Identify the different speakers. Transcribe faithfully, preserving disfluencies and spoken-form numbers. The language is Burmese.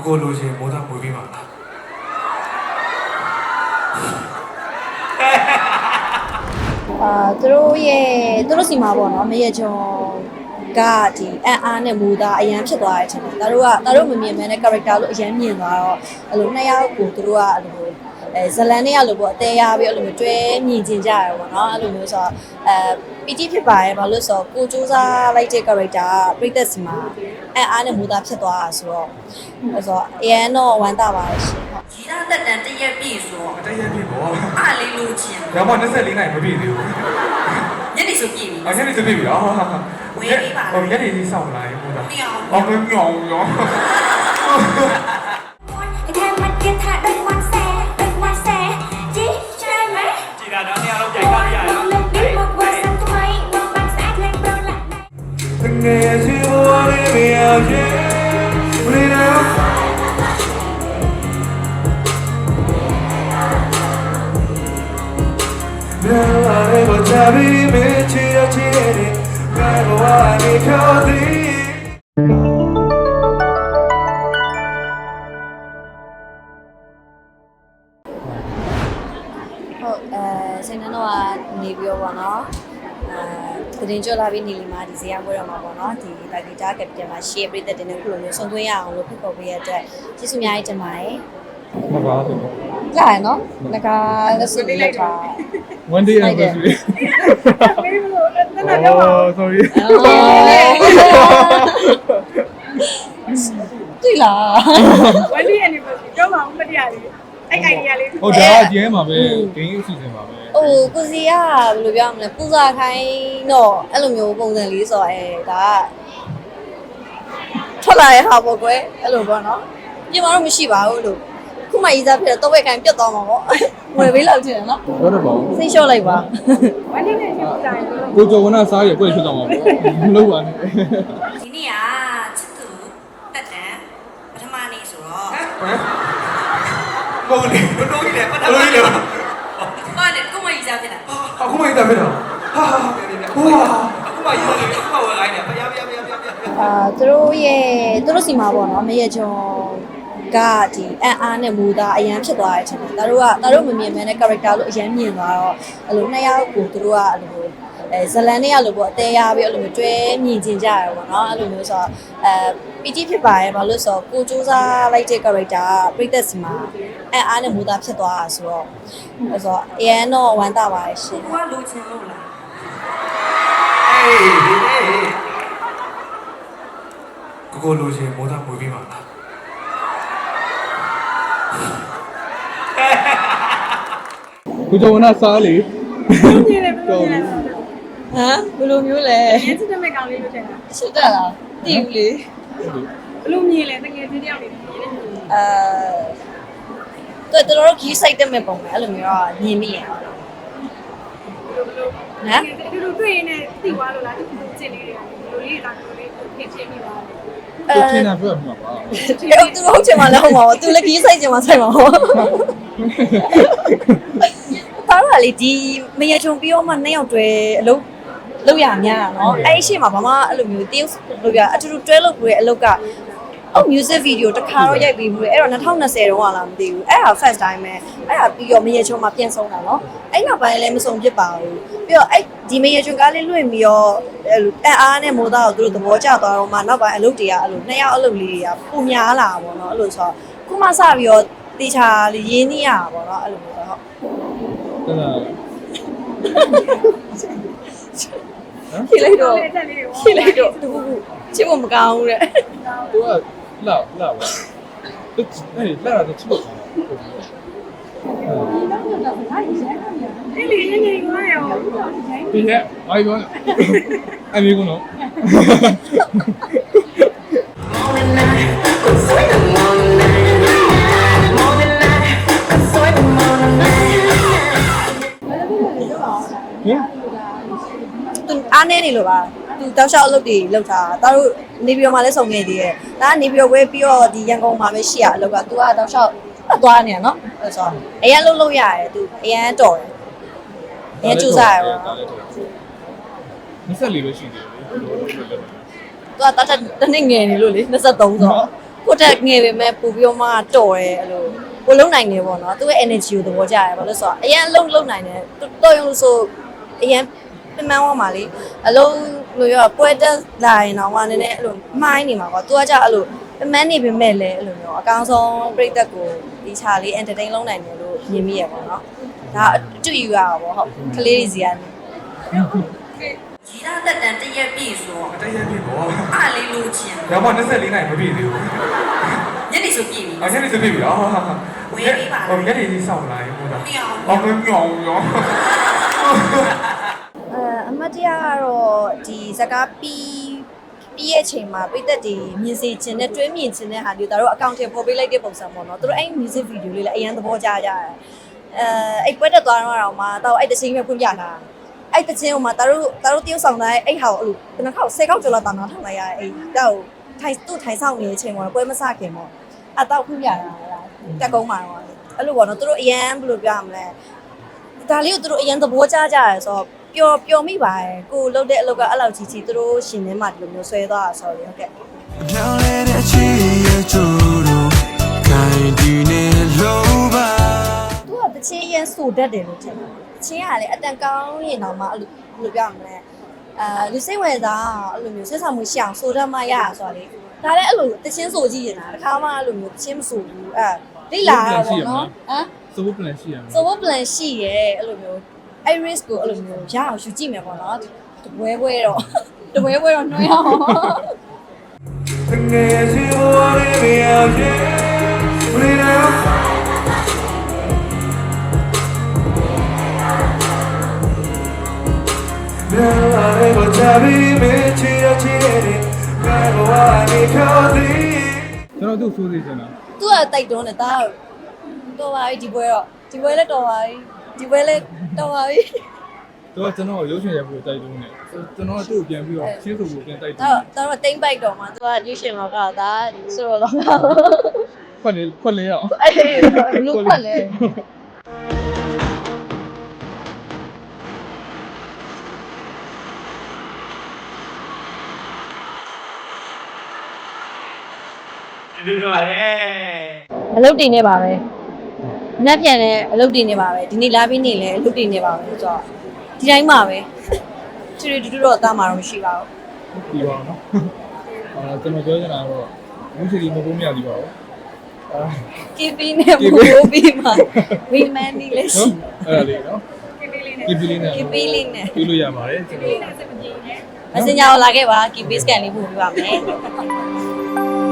Speaker 1: ကိုလိုချင်မိုးသားမွေးပြီးပါလား
Speaker 2: အာသူတို့ရဲ့သူတို့စီမှာပေါ့နော်မရချုံကဒီအန်အားနဲ့မူသားအရန်ဖြစ်သွားတဲ့အချိန်မှာသူတို့ကသူတို့မမြင်မဲနဲ့ character လို့အရန်မြင်သွားတော့အဲ့လိုနှစ်ယောက်ကိုသူတို့ကအဲ့လိုအဲဇလန်နဲ့ရလို့ပေါ့အသေးရပြီးအဲ့လိုမျိုးတွဲမြင်ကျင်ကြရပေါ့နော်အဲ့လိုမျိုးဆိုတော့အဲပီတိဖြစ်ပါရဲ့ဘာလို့ဆိုတော့ကိုစူးစမ်းလိုက်တဲ့ character ပြည့်သက်စီမှာအန်အားနဲ့မူသားဖြစ်သွားတာဆိုတော့အဲ့ဆိုအရန်တော့ဝမ်းသာပါတယ်ရှင်
Speaker 3: ဒီသားတက်တန်တရက်ပြည့်ဆိုတော့
Speaker 1: တရက်ပြည့်ပေါ့
Speaker 3: အားလေးလိုချင်
Speaker 1: ရောမနှစ်လေးနိုင်မပြည့်သေးဘူး
Speaker 3: ညနေဆိုပြည့်ပြီ
Speaker 1: အော်ညနေဆိုပြည့်ပြီအော်
Speaker 3: ဝေးပြီးပါ
Speaker 1: ဟိုညနေလေးစောင့်လာရင်မိုးသား
Speaker 3: မြောင်
Speaker 1: အော်မြောင်ရော
Speaker 3: แค่มันกินท่าดึงวันแซ่ดึงวันแซ่จีใช่ไหม
Speaker 1: จีน่าน้องเนี่ยเราใหญ่ก้าวใหญ่แล้วเงยชิวรีเมียเย่รีนะเมื่อไรก็จะมีมิตรที่จะดีแม้ว่าไม่เข้าดี
Speaker 2: ဟုတ်အဲစိတ်နှတော့ကနေပြီးတော့ပေါ့နော်အဲသတင်းကြလာပြီးနေလီမှာဒီဇေယျပွဲတော်မှာပေါ့နော်ဒီတာဂီတာကပတင်မှာ share ပြတဲ့တင်တဲ့ခုလိုမျိုးဆုံးသွင်းရအောင်လို့ဖိတ်ခေါ်ပေးရတဲ့ကျေးဇူးအများကြီးတင်ပါတယ်
Speaker 1: ဟုတ်ပါဘူး
Speaker 2: ကြာရနော်ငါကလက်စွပ်လိုက်တာ
Speaker 1: one day anniversary
Speaker 3: မေးမလို့တက်တာတော့
Speaker 1: oh sorry
Speaker 2: တွေ့လား
Speaker 3: one day anniversary တော့မှမတရားလေးအဲ့ idea လေး
Speaker 1: ဟုတ်ဒါအကျဲမှာပဲ game အစီအစဉ်ပါပဲ
Speaker 2: ဟိုကိုစီကဘယ်လိုပြောမလဲပူဇာခိုင်းတော့အဲ့လိုမျိုးပုံစံလေးဆိုတော့အဲဒါကထွက်လာတဲ့ဟာပေါ့ကွယ်အဲ့လိုပေါ့နော်ပြင်မာတော့မရှိပါဘူးလို့ခုမှရေးစားဖြစ်တော့တော့ဝက်ခိုင်းပြတ်သွားမှာပေါ့ဝယ်ပေးလောက်ချင်တယ်နော်
Speaker 1: ဟုတ်တယ်ပေါ့
Speaker 2: စိတ်လျှော့လိုက်ပါ
Speaker 3: one day နဲ့ဖြစ်တာ
Speaker 1: ကိုကျော်ဝနာစားရကိုယ်ဖြစ်သွားမှာပေါ့မလုပ်ပါနဲ့
Speaker 3: ဒီနေ့ကချစ်သူတက်တန်ပထမနေ့ဆိုတော့
Speaker 1: ဟမ်ဟုတ်တယ်တော်တော်ကြီးတယ်ပထမနေ့လေ
Speaker 3: ဘာလဲကိုမကြီးစားဖြစ်တာ
Speaker 1: အခုမှရေးတာဖြစ်တာဟာဟာဟိုဟာအခုမှရေးတယ်အခုမှဝယ်ခိုင်းတယ်ဖျားဖျားဖျားဖျား
Speaker 2: အာသူတို့ရဲ့သူတို့စီမှာပေါ့နော်မရချုံကဒီအန်အားနဲ့မူသားအရန်ဖြစ်သွားတဲ့အချိန်မှာသူတို့ကသူတို့မမြင်မဲနဲ့ character လို့အရန်မြင်သွားတော့အဲ့လိုနှစ်ယောက်ကိုသူတို့ကအဲ့လိုအဲဇလန်နဲ့ရလို့ပေါ့အသေးရပြီးအဲ့လိုမျိုးတွဲမြင်ကျင်ကြရပေါ့နော်အဲ့လိုမျိုးဆိုတော့အဲပီတိဖြစ်ပါရဲ့ဘာလို့ဆိုတော့ကိုစူးစမ်းလိုက်တဲ့ character ပြည့်သက်စီမှာအန်အားနဲ့မူသားဖြစ်သွားတာဆိုတော့အဲ့ဆိုအရန်တော့ဝမ်းသာပါတယ်ရှင်
Speaker 3: ကိုကလိုချင်လို့လား
Speaker 1: အေးကိုကိုလိုချင်မိုးသားမွေးပြီးပါလားကိုကျော်ဝနာစားလေ
Speaker 3: မြင်တယ်ဘယ်လိုမြင်လဲ
Speaker 2: ဟမ်ဘယ်လိုမျိုးလဲ
Speaker 3: ရင်းစစ်တဲ့မဲ့ကောင်လေးလို့ထင်တာ
Speaker 2: ရှစ်တက်လားတည်ဘူးလေ
Speaker 3: ဘယ်လိုမြင်လဲတကယ်ချင်းတယောက်နေမြင်တယ်
Speaker 2: အဲတော်တော်ကြီးစိုက်တဲ့မဲ့ပုံပဲအဲ့လိုမျိုးကမြင်မိရအောင်ဟမ်
Speaker 3: ဒီလိုတွေ့ရင်လည်းသိသွားလို့လားဒီလိုချင်းလေးတွေကဒီလိုလေးတာကိုလေးဖြစ်ချင်းမိပါလေ
Speaker 1: သူထင်တာပြောမှာပါ
Speaker 2: သူဟုတ်ချင်မှလည်းဟုတ်မှာပါသူလည်းကြီးစိုက်ချင်မှစိုက်မှာပါပါလာလေဒီမရချုံပြီးတော့မှနှစ်ယောက်တွဲအလုပ်လုပ်ရများတာနော်အဲ့ဒီရှေ့မှာဘာမှအဲ့လိုမျိုးတယောက်လုပ်ရအတူတူတွဲလုပ်ပြီးတဲ့အလုပ်ကအော် music video တစ်ခါတော့ရိုက်ပြီးဘူးလေအဲ့တော့twenty twentyတုန်းကလားမသိဘူးအဲ့ဒါ first time ပဲအဲ့ဒါပြီးတော့မရချုံမှာပြန်ဆုံးတာနော်အဲ့နောက်ပိုင်းလည်းမဆုံးဖြစ်ပါဘူးပြီးတော့အဲ့ဒီမရချုံကားလေးလွင့်ပြီးတော့အဲ့အားနဲ့မိုးသားကိုသူတို့သဘောကျသွားတော့မှနောက်ပိုင်းအလုပ်တွေကအဲ့လိုနှစ်ယောက်အလုပ်လေးတွေကပုံများလာပါတော့နော်အဲ့လိုဆိုတော့ခုမှစပြီးတော့တေချာလေးရင်းနှီးရတာပေါ့နော်အဲ့လိုမျိုးဟုတ်
Speaker 1: ဟုတ်လား
Speaker 2: ဖြေလိုက်တော့ဖြေလိုက်တော့သူချစ်ဖို့မကောင်းဘူးတဲ့
Speaker 1: သူကလာလာပါသူအဲ့လာတော့ချစ်ဖို့
Speaker 3: အဲ့လေနေနေရောရော
Speaker 1: ဒီနဲ့ဘာပြောလဲအမေကတော့
Speaker 2: သူအားနေနေလို့ပါသူတောက်လျှောက်အလုပ်တွေလုပ်တာဒါတို့နေပြည်တော်မှာလည်းစုံနေသေးတယ်ဒါကနေပြည်တော်ဝဲပြီးတော့ဒီရန်ကုန်မှာပဲရှိရအလုပ်ကသူကတောက်လျှောက်အသွားနေရနော်အဲ့ဆိုအရင်လှုပ်လို့ရတယ်သူအရင်တော်တယ်အရင်ကျူစားရပါ
Speaker 1: နှစ်ဆက်လေးပဲရှိသေးတယ်
Speaker 2: သူကတတ်တနေ့ငယ်နေလို့လေtwenty-threeဆိုကိုတက်ငယ်ပေမဲ့ပို့ပြီးတော့မှတော်တယ်အဲ့လိုကိုလုံနိုင်နေပေါ့နော်သူ့ရဲ့ energy ကိုသဘောကျတယ်ဘာလို့ဆိုတော့အရင်လုံလုံနိုင်တယ်တော်ရုံလို့ဆိုအရင်ပြမန်းသွားမှာလေအလုံးလို့ရောပွဲတက်လာရင်တော့မှနည်းနည်းအဲ့လိုမှားနေမှာပေါ့သူကကြအဲ့လိုပြမန်းနေပေမဲ့လည်းအဲ့လိုမျိုးအကောင်းဆုံးပြိသက်ကိုဒီချာလေး entertain လုပ်နိုင်တယ်လို့မြင်မိရပေါ့နော်ဒါအတူယူရတာပေါ့ဟုတ်ကလေးတွေစီကနေရီးသားတက်တန်တရက်ပြည့်ဆို
Speaker 1: တရက်ပြီပေါ့
Speaker 2: အားလေးလို့ချင်း
Speaker 1: ။ရောမ24နိုင်မပြည့်သေးဘူး
Speaker 2: ညနေဆိုပြည့်ပြီ
Speaker 1: ။အချက်လေးစပြည့်ပြီ။အော်
Speaker 2: ဝေးပြီးပါလား
Speaker 1: ဟိုရက်တွေကြီးစောင့်လာရင်ဟုတ်လား
Speaker 2: မရအောင်
Speaker 1: ။အော်မမြောင်ရော
Speaker 2: အဲအမတ်တရားကတော့ဒီစကားပြီးပြီးရဲ့ချိန်မှာပိသက်တွေမြင်စေခြင်းနဲ့တွဲမြင်ခြင်းနဲ့ဟာမျိုးတို့အကောင့်ထဲပေါ်ပေးလိုက်တဲ့ပုံစံပေါ့နော်သူတို့အဲ့ music video လေးလည်းအရင်သဘောကျကြတယ်အဲအဲ့ပွဲတက်သွားတော့မှတော့အဲ့တချင်းပဲဖွင့်ပြလာအဲ့တချင်းဟိုမှာတို့တို့တရုပ်ဆောင်တဲ့အဲ့ဟာကိုအဲ့လိုဘယ်နှခေါက်ဆယ်ခေါက်ကျော်လောက်တောင်းထားလိုက်ရအဲ့တော့ထိုင်သူ့ထိုင်ဆောင်နေတဲ့အချိန်မှာပွဲမစခင်ပေါ့အတော့ဖွင့်ပြလာတာတက်ကုန်းမှာတော့အဲ့လိုပေါ့နော်တို့အရင်ဘယ်လိုပြမလဲဒါလေးကိုတို့အရင်သဘောကျကြရဲဆိုတော့ပျော်ပျော်မိပါတယ်ကိုလှုပ်တဲ့အလုပ်ကအဲ့လောက်ကြီးကြီးသူတို့ရှင်ထဲမှာဒီလိုမျိုးဆွဲသွားတာဆိုတော့ဟုတ်ကဲ့
Speaker 4: ညောင်းလေးတဲ့ချီရဲ့ကျိုးတို့ခိုင်ဒီနေလို့ပါ
Speaker 2: သူကတချင်းရန်ဆိုတတ်တယ်လို့ထင်တယ်တချင်းကလည်းအတန်ကောင်းရင်တော့မှအဲ့လိုဘယ်လိုပြောမလဲအာလူစိတ်ဝင်စားအဲ့လိုမျိုးဆက်ဆံမှုရှောင်ဆိုတတ်မှရဆိုတော့လေဒါလည်းအဲ့လိုတချင်းဆိုကြည့်နေတာတခါမှအဲ့လိုမျိုးတချင်းမဆိုဘူးအဲလိလာတာပေါ့နော်ဟမ်
Speaker 5: ဆိုဖို့ plan ရှိရမယ်
Speaker 2: ဆိုဖို့ plan ရှိရဲအဲ့လိုမျိုးအဲ့ risk ကိုအဲ့လိုမျိုးရအောင်ယူကြည့်မယ်ပေါ့နော်တပွဲပွဲတော့တပွဲပွဲတော့နှွှဲအောင်
Speaker 1: ။ငယ်စီဘဝလေးမရဖြစ်။ဘယ်လိုလဲ။လာရမချပြီးမချီရချီနေဘယ်ဘဝနေခေါ်သည်။
Speaker 5: ကျွန်တော်တို့စိုးစေချင်တာ
Speaker 2: သူကတိုက်တွန်းတယ်ဒါတော့ပါပြီဒီပွဲတော့ဒီပွဲလည်းတော်ပါပြီဒီပွဲလည်းတော်ပါပြီ
Speaker 5: သူကကျွန်တော်ရုပ်ရှင်ရိုက်ဖို့တိုက်တွန်းတယ်ကျွန်တော်သူ့ကိုပြန်ပြီးတော့ရှင်းဆိုဖို့ပြန်တိုက်တွန်း
Speaker 2: တော့တော့တိမ့်ပိုက်တော့မှာသူကရွှေရှင်လောကဒါဆိုတော့လောက
Speaker 5: ခွက်လေခွက်လေရအောင်
Speaker 2: အေးလူခွက်လေ
Speaker 1: ဒီလိုပါလေ
Speaker 2: အလုပ်တင်နေပါပဲညက်ပြန်လည်းအလုပ်တင်နေပါပဲဒီနေ့လာပြီးနေလည်းအလုပ်တင်နေပါပဲဆိုတော့ဒီတိုင်းပါပဲချီရီတူတူတော့အသားမှာတော့မရှိပါဘူး
Speaker 5: ပြီးပါအောင်နော်အာကျွန်တော်ပြောချင်တာကတော့ဘူးစီဒီမပုံမရသေးပါဘူးအာ
Speaker 2: ကီပီနဲ့မိုးပြီးမှဝီမန်နီလေးရှိ
Speaker 5: နော်အဲ့ဒါလေးနော်
Speaker 3: ကိပေးလေးနဲ့
Speaker 5: ကီပီလေးနဲ့
Speaker 2: ကီပီလေးနဲ့
Speaker 5: ပြီးလို့ရပါတယ်ကျွန်တော်
Speaker 3: လေးနဲ့စက်မပြေနဲ့
Speaker 2: မစင်ညာကိုလာခဲ့ပါကီပီစကန်လေးပို့ပြပါမယ်